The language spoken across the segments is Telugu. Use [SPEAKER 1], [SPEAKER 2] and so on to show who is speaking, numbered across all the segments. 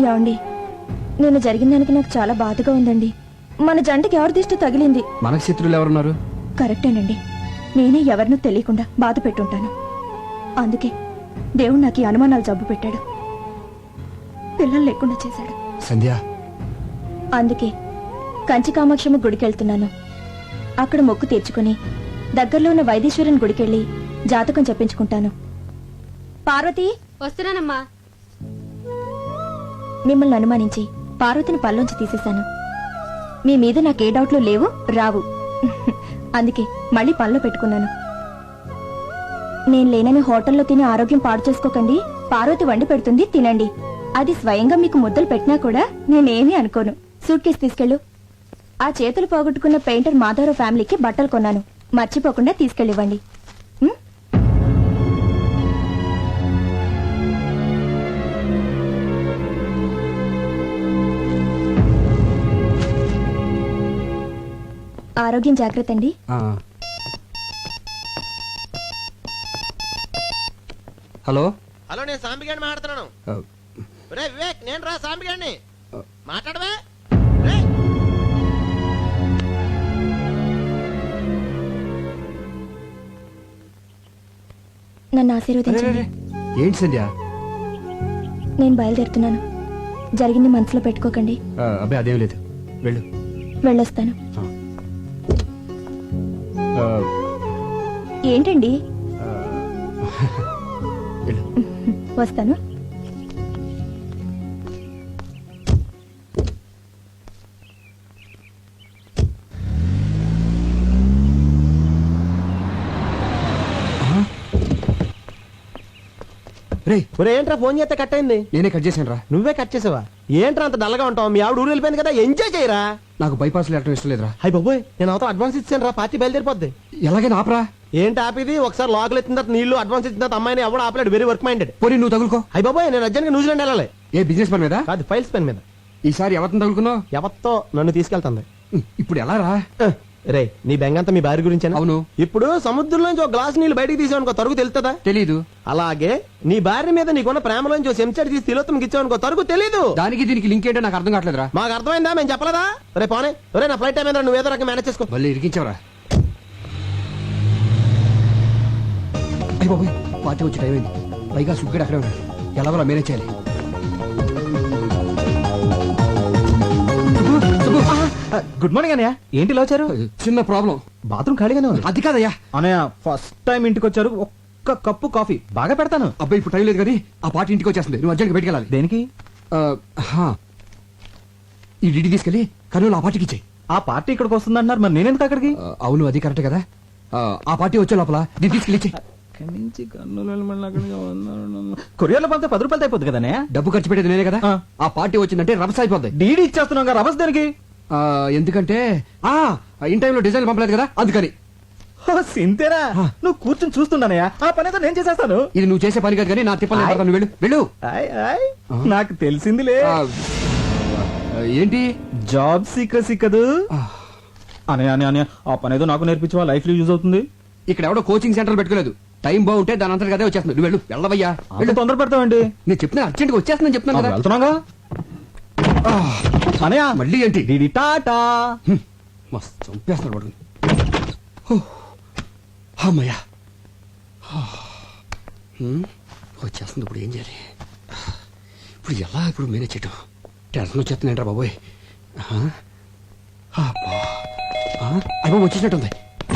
[SPEAKER 1] ఏమండి, నేను జరిగిన దానికి నాకు చాలా బాధగా ఉందండి. మన జంటకి ఎవరి దిష్టి తగిలింది?
[SPEAKER 2] మనకు శత్రువులు ఎవరున్నారు?
[SPEAKER 1] కరెక్టేనండి, నేనే ఎవరినూ తెలియకుండా బాధ పెట్టుంటాను. అందుకే దేవుడు నాకు ఈ అనుమానాలు జబ్బు పెట్టాడు, పిల్లలు లేకుండా చేశాడు.
[SPEAKER 2] సంధ్య,
[SPEAKER 1] అందుకే కంచి కామాక్షమ్మ గుడికెళ్తున్నాను. అక్కడ మొక్కు తీర్చుకుని దగ్గరలో ఉన్న వైదీశ్వరుని గుడికెళ్ళి జాతకం చెప్పించుకుంటాను. పార్వతి,
[SPEAKER 3] వస్తున్నానమ్మా.
[SPEAKER 1] మిమ్మల్ని అనుమానించి పార్వతిని పల్లోంచి తీసేశాను. మీ మీద నాకే డౌట్లు లేవు, రావు. అందుకే మళ్ళీ పనిలో పెట్టుకున్నాను. నేను లేనని హోటల్లో తిని ఆరోగ్యం పాడు చేసుకోకండి. పార్వతి వండి పెడుతుంది, తినండి. అది స్వయంగా మీకు ముద్దలు పెట్టినా కూడా నేనేమీ అనుకోను. సూట్ కేసు తీసుకెళ్ళు. ఆ చేతులు పోగొట్టుకున్న పెయింటర్ మాధవరావు ఫ్యామిలీకి బట్టలు కొన్నాను, మర్చిపోకుండా తీసుకెళ్ళివ్వండి. ఆరోగ్యం జాగ్రత్త అండి.
[SPEAKER 2] హలో
[SPEAKER 4] హలో, నేను సాంబిగాడిని మాట్లాడుతున్నాను. రే వివేక్, నేను రా సాంబిగాడిని. మాట్లాడవే.
[SPEAKER 1] నన్ను ఆశీర్వదించండి.
[SPEAKER 2] ఏంటి సంధ్య?
[SPEAKER 1] నేను బయలుదేరుతున్నాను. జరిగింది మనసులో పెట్టుకోకండి.
[SPEAKER 2] అబ్బాయి అదేం లేదు, వెళ్ళు.
[SPEAKER 1] వెళ్ళొస్తాను. ఏంటండి? వస్తాను.
[SPEAKER 4] ఏంట్రా ఫోన్ చేస్తే కట్ అయింది?
[SPEAKER 2] నేనే కట్ చేశాను రా.
[SPEAKER 4] నువ్వే కట్ చేసావా? ఏంట్రా అంత డల్గా ఉంటావు? మీ ఆవిడ ఊరు వెళ్ళిపోయింది కదా, ఎంజాయ్ చేయరా.
[SPEAKER 2] నాకు బైపాస్ లేటం ఇష్టం లేదురా.
[SPEAKER 4] హై బాబోయ్, నేను అవతల అడ్వాన్స్ ఇచ్చాను రా, పార్టీ బయలుదేరిపోద్ది.
[SPEAKER 2] ఎలాగైనా ఆపరా.
[SPEAKER 4] ఏంటి ఆపిది? ఒకసారి లోకల్ ఎత్తిన తర్వాత నీళ్లు అడ్వాన్స్ ఇచ్చిన తర్వాత అమ్మాయిని ఎవడు ఆపలేడు. Very work minded.
[SPEAKER 2] పోనీ నువ్వు తగులుకో.
[SPEAKER 4] హై బాబోయ్, నేను అర్జెంట్గా న్యూజిలాండ్ వెళ్ళాలి.
[SPEAKER 2] ఏ బిజినెస్ పని మీద
[SPEAKER 4] కాదు, ఫైల్స్ పెన్ మీద.
[SPEAKER 2] ఈసారి ఎవరిని తగులుకున్నావు?
[SPEAKER 4] ఎవరితో నన్ను తీసుకెళ్తుంది.
[SPEAKER 2] ఇప్పుడు ఎలా రా?
[SPEAKER 4] రే, నీ బెంగంతా మీ భార్య గురించి.
[SPEAKER 2] అవును.
[SPEAKER 4] ఇప్పుడు సముద్రంలోంచి ఒక గ్లాస్ నీళ్లు బయటికి తీసావనుకో, తరుగు తెలుస్తుందా?
[SPEAKER 2] తెలీదు.
[SPEAKER 4] అలాగే నీ భార్య మీద నీకున్న ప్రేమలోంచి చెంచాడు తీసి తిలోత్తం ఇచ్చావనుకో, తరుగు తెలీదు.
[SPEAKER 2] దానికి దీనికి లింక్ ఏంటో నాకు అర్థం కావట్లేదురా.
[SPEAKER 4] మాకు అర్థమైందా? మేము చెప్పలేదా? రే పోనే, రే నా ఫ్లైట్ టైం ఏంద్రా, నువ్వు ఏదో రకం మేనేజ్ చేసుకో.
[SPEAKER 2] మళ్ళీ ఇరికించావరా? అయ్యి బాబోయ్, పార్టీ వచ్చి టైం అయింది. పైగా సుగ్గడు అక్కడే ఉన్నాడు. ఎలాగోలా మేనేజ్ చేయాలి.
[SPEAKER 5] గుడ్ మార్నింగ్ అన్నయ్య. ఏంటి ఇలా వచ్చారు?
[SPEAKER 2] చిన్న ప్రాబ్లం.
[SPEAKER 5] బాత్రూమ్ ఖాళీగానే ఉంది.
[SPEAKER 2] అది కాదయ్యా
[SPEAKER 5] అన్నయ్య, ఫస్ట్ టైం ఇంటికి వచ్చారు, ఒక్క కప్పు కాఫీ బాగా పెడతాను.
[SPEAKER 2] అబ్బాయి ఇప్పుడు టైం లేదు కానీ ఆ పార్టీ ఇంటికి వచ్చేస్తుంది. నువ్వు అర్జెంట్గా బయటికి వెళ్ళాలి.
[SPEAKER 5] దేనికి?
[SPEAKER 2] ఈ డిడి తీసుకెళ్ళి కర్నూలు ఆ పార్టీకి ఇచ్చేయి.
[SPEAKER 5] ఆ పార్టీ ఇక్కడికి వస్తుందంటున్నారు, మరి నేనెందుకు అక్కడికి?
[SPEAKER 2] అవును, అది కరెక్ట్ కదా. ఆ పార్టీ వచ్చే లోపల దీన్ని తీసుకెళ్ళి ఇచ్చేయి.
[SPEAKER 5] కొరియర్లో పంపితే 10 రూపాయలు అయిపోద్ది కదా.
[SPEAKER 2] డబ్బు ఖర్చు పెట్టేది నేనే కదా. ఆ పార్టీ వచ్చిందంటే రభస అయిపోద్ది.
[SPEAKER 5] డీడీ ఇచ్చేస్తున్నాం, రభస దేనికి?
[SPEAKER 2] ఎందుకంటే ఇన్ టైంలో డిజైన్ పంపలేదు కదా, అందుకని.
[SPEAKER 5] సింతేనా? నువ్వు కూర్చొని చూస్తున్నానయ్యా, ఆ పని అయితే నేను చేసేస్తాను.
[SPEAKER 2] ఇది నువ్వు చేసే పని కాదు కానీ నా తిప్పలు. వెళ్ళు వెళ్ళు.
[SPEAKER 5] నాకు తెలిసిందిలే.
[SPEAKER 2] ఏంటి?
[SPEAKER 5] జాబ్ సీక్రెసీ కదూ. అనే ఆ పని ఏదో నాకు నేర్పించవా, లైఫ్ లో యూజ్ అవుతుంది.
[SPEAKER 2] ఇక్కడ ఎవడో కోచింగ్ సెంటర్ పెట్టుకోలేదు. టైం బాగుంటే దాని అంతా అదే వచ్చేస్తుంది. నువ్వు వెళ్ళు. వెళ్ళవయ్యా,
[SPEAKER 5] వెళ్ళు. తొందర పెడతావండి.
[SPEAKER 2] నేను చెప్తున్నా, అర్జెంట్ గా వచ్చేస్తుందని చెప్తున్నాను కదా.
[SPEAKER 5] వెళ్తున్నాగా అనయా.
[SPEAKER 2] మళ్ళీ ఏంటి?
[SPEAKER 5] DD tata.
[SPEAKER 2] మస్తు చంపేస్తాడు వాడు. అమ్మయ్యా, వచ్చేస్తుంది. ఇప్పుడు ఏం చేయాలి? ఇప్పుడు ఎలా ఇప్పుడు మేనేజ్ చేయటం? టెన్షన్ వచ్చేస్తుందంటారా బాబోయ్. అయ్యో వచ్చేసినట్టుంది.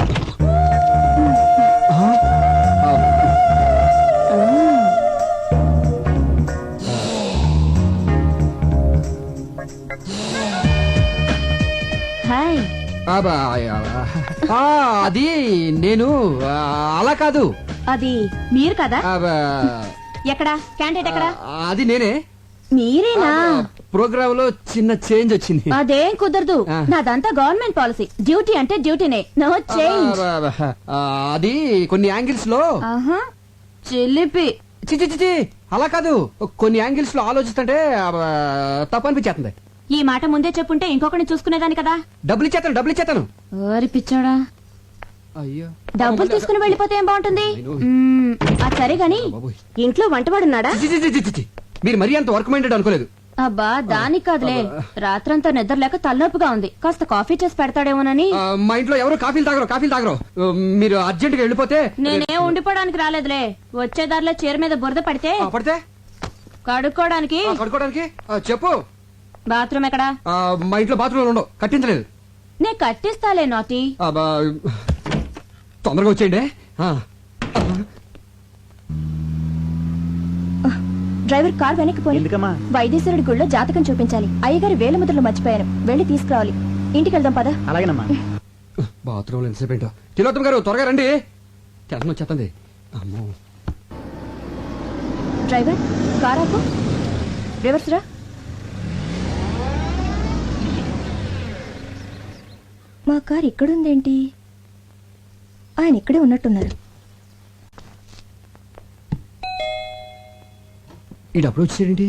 [SPEAKER 2] అది నేను అలా కాదు.
[SPEAKER 1] అది మీరు కదా? ఎక్కడా క్యాండిడేట్ ఎక్కడా?
[SPEAKER 2] అది నేనే.
[SPEAKER 1] మీరేనా?
[SPEAKER 2] ప్రోగ్రామ్ లో చిన్న చేంజ్ వచ్చింది.
[SPEAKER 1] అదేం కుదరదు, నాదంతా గవర్నమెంట్ పాలసీ. డ్యూటీ అంటే డ్యూటీనే, నో చేంజ్.
[SPEAKER 2] అది కొన్ని యాంగిల్స్ లో
[SPEAKER 1] చిలిపి.
[SPEAKER 2] చిచి అలా కాదు, కొన్ని యాంగిల్స్ లో ఆలోచిస్తుంటే తప్పనిపించేస్తుంది.
[SPEAKER 1] ఈ మాట ముందే చెప్పుంటే ఇంకొకరిని చూసుకునేదాని కదా.
[SPEAKER 2] డబ్బులు ఇచ్చేతాను.
[SPEAKER 1] ఓరి పిచ్చాడా,
[SPEAKER 2] అయ్యో
[SPEAKER 1] డబ్బులు తీసుకుని వెళ్ళిపోతే ఏం బాగుంటుంది? సరే గాని ఇంట్లో వంటవాడున్నాడా?
[SPEAKER 2] మీరు మరీ అంత వర్క్ మైండెడ్ అనుకోలేదు.
[SPEAKER 3] అబ్బా దానికి కాదులే, రాత్రంతా నిద్ర లేక తలనొప్పిగా ఉంది, కాస్త కాఫీ చేసి పెడతాడేమోనని.
[SPEAKER 2] మా ఇంట్లో ఎవరు కాఫీలు తాగరు. మీరు అర్జెంట్ గా వెళ్ళిపోతే.
[SPEAKER 3] నేనే ఉండిపోవడానికి రాలేదులే, వచ్చే దారిలో చీర మీద బురద పడితే
[SPEAKER 2] పడితే
[SPEAKER 3] కడుక్కోవడానికి.
[SPEAKER 2] చెప్పు.
[SPEAKER 3] బాత్రూమ్ ఎక్కడా?
[SPEAKER 2] మా ఇంట్లో బాత్రూమ్ ఉండవు, కట్టించలేదు.
[SPEAKER 3] నే కట్టిస్తాలే నాటి.
[SPEAKER 2] తొందరగా వచ్చేయండి.
[SPEAKER 1] డ్రైవర్ కార్ వెనక్కి పోయి
[SPEAKER 5] ఎందుకమ్మా?
[SPEAKER 1] వైద్యశ్వరుడి గుళ్ళో జాతకం చూపించాలి. అయ్యగారి వేల ముద్రలు మర్చిపోయాను, వెళ్ళి తీసుకురావాలి. ఇంటికి వెళ్దాం పద.
[SPEAKER 5] అలాగేనమ్మా.
[SPEAKER 2] బాత్రూమ్ ఎంతసేపు ఏంటో. తిలోత్తమ గారు త్వరగా రండి, టెన్షన్ వచ్చేస్తుంది. అమ్మో.
[SPEAKER 1] డ్రైవర్ కార్ ఆపు. రివర్స్ రా. మా కార్ ఇక్కడుందేంటి? ఆయన ఇక్కడే ఉన్నట్టున్నారు.
[SPEAKER 2] ఈ డబ్బులు వచ్చేసేంటి?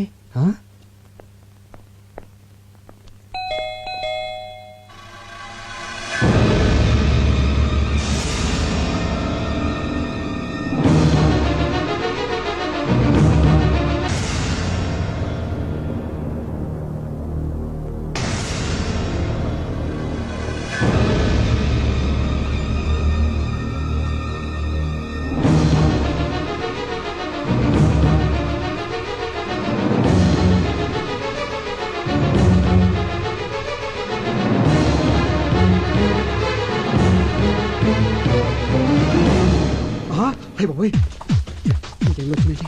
[SPEAKER 2] బాబోయ్, ఇంకేం వచ్చిందండి?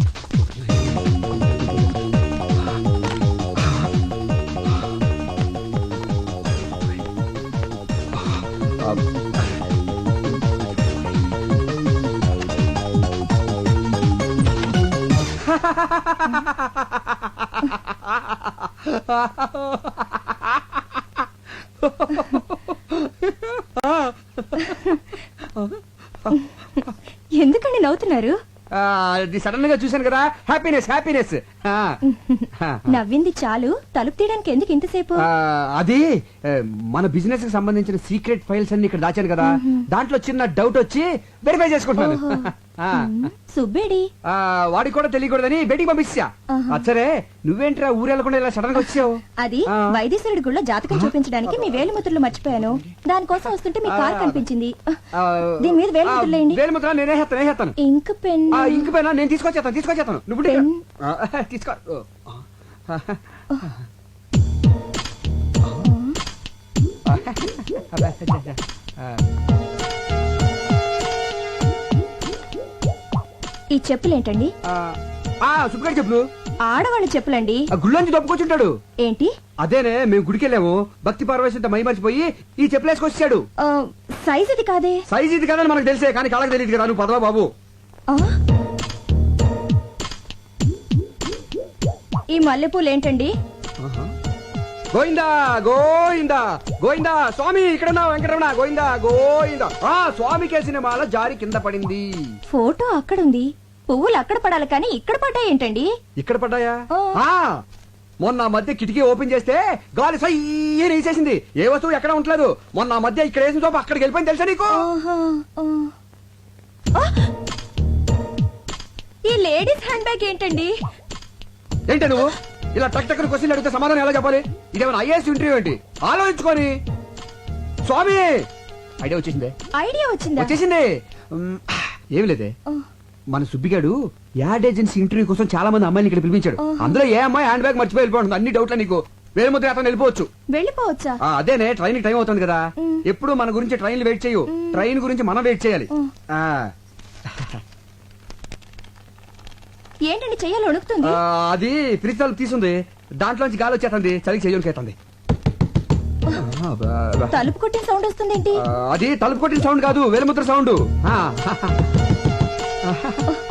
[SPEAKER 1] ఎందుకండి నవ్వుతున్నారు?
[SPEAKER 2] సడన్ గా చూశాను కదా, హ్యాపీనెస్.
[SPEAKER 1] నవ్వింది చాలు, తలుపు తీయడానికి ఎందుకు ఇంతసేపు?
[SPEAKER 2] అది మన బిజినెస్ కి సంబంధించిన సీక్రెట్ ఫైల్స్ అన్ని ఇక్కడ దాచాను కదా, దాంట్లో చిన్న డౌట్ వచ్చి వెరిఫై చేసుకుంటున్నాను.
[SPEAKER 1] సుబ్బేడి
[SPEAKER 2] వాడికి కూడా తెలియకూడదని బయటికి పంపించా. అచ్చరే, నువ్వేంట్రా ఊరెళ్ళకుండా ఇలా సడన్ గా వచ్చావు?
[SPEAKER 1] అది వైద్యశ్వరుడి గుళ్ళో జాతకం చూపించడానికి మీ వేలిముద్రలు మర్చిపోయాను. దానికోసం వస్తుంటే మీ కార్ కనిపించింది. దీని మీద వేలిముద్రలేండి.
[SPEAKER 2] వేలిముద్ర నేనేస్తాను.
[SPEAKER 1] ఇంక్ పెన్.
[SPEAKER 2] ఇంక పెన్ నేను తీసుకొచ్చేస్తాను. నువ్వు తీసుకో.
[SPEAKER 1] ఈ చెప్పులేంటండి?
[SPEAKER 2] సుబ్బగారి చెప్పులు.
[SPEAKER 1] ఆడవాళ్ళ చెప్పులండి.
[SPEAKER 2] గుళ్ళోంచి దొప్పుకొచ్చుంటాడు.
[SPEAKER 1] ఏంటి?
[SPEAKER 2] అదేనే, మేము గుడికి వెళ్ళాము, భక్తి పార్వశంతో మై మర్చిపోయి ఈ చెప్పులు వేసుకొచ్చాడు.
[SPEAKER 1] సైజ్ ఇది కాదే.
[SPEAKER 2] సైజ్ ఇది కాదని మనకు తెలిసే, కానీ కాళ్ళకి తెలియదు కదా. నువ్వు పదవా బాబు.
[SPEAKER 1] ఈ మల్లెపూలు ఏంటండి?
[SPEAKER 2] గోయిందా గోయిందా గోయిందా స్వామి, ఇక్కడ వెంకటరమణ. గోయిందా. స్వామికే సినిమాలో జారి కింద పడింది.
[SPEAKER 1] ఫోటో అక్కడుంది, పువ్వులు అక్కడ పడాలి కానీ ఇక్కడ పడ్డాయి ఏంటండి?
[SPEAKER 2] ఇక్కడ పడ్డాయా? మొన్న మధ్య కిటికీ ఓపెన్ చేస్తే గాలి సయ్యని వేసేసింది. ఏ వస్తువు ఎక్కడ ఉండలేదు. మొన్న మధ్య ఇక్కడ వేసిన సోపు అక్కడికి వెళ్ళిపోయింది, తెలుసా నీకు?
[SPEAKER 1] ఈ లేడీస్ హ్యాండ్ బ్యాగ్ ఏంటండి?
[SPEAKER 2] ఏంటి నువ్వు ఇలా టక్ టక్కన క్వశ్చన్లు అడిగితే సమాధానం ఎలా చెప్పాలి? ఇదేమైనా ఐఏఎస్ ఇంటర్వ్యూ ఏంటి? ఆలోచించుకొని. స్వామి, ఐడియా వచ్చేసింది. ఏమి లేదే, మన సుబ్బిగాడు యాడ్ ఏజెన్సీ ఇంటర్వ్యూ కోసం చాలా మంది అమ్మాయిని ఇక్కడ పిలిపించాడు. అందులో ఏ అమ్మాయి హ్యాండ్ బ్యాగ్ మర్చిపోయి వెళ్ళిపోతుంది. అన్ని డౌట్లే నీకు. వేలుముద్ర అతను
[SPEAKER 1] వెళ్ళిపోవచ్చా?
[SPEAKER 2] అదేనే, ట్రైన్ టైం అవుతుంది కదా. ఎప్పుడు మన గురించి ట్రైన్లు వెయిట్ చేయు, ట్రైన్ గురించి మనం వెయిట్ చేయాలి.
[SPEAKER 1] ఏంటండి చెయ్యాలి వణుకుతుంది?
[SPEAKER 2] అది ఫ్రిడ్జ్ తలుపు తీసుంది, దాంట్లోంచి గాలి వచ్చేస్తుంది, చలికి చెయ్యకేస్తుంది.
[SPEAKER 1] తలుపు కొట్టిన సౌండ్ వస్తుంది ఏంటి?
[SPEAKER 2] అది తలుపు కొట్టిన సౌండ్ కాదు, వేలుముద్ర సౌండ్.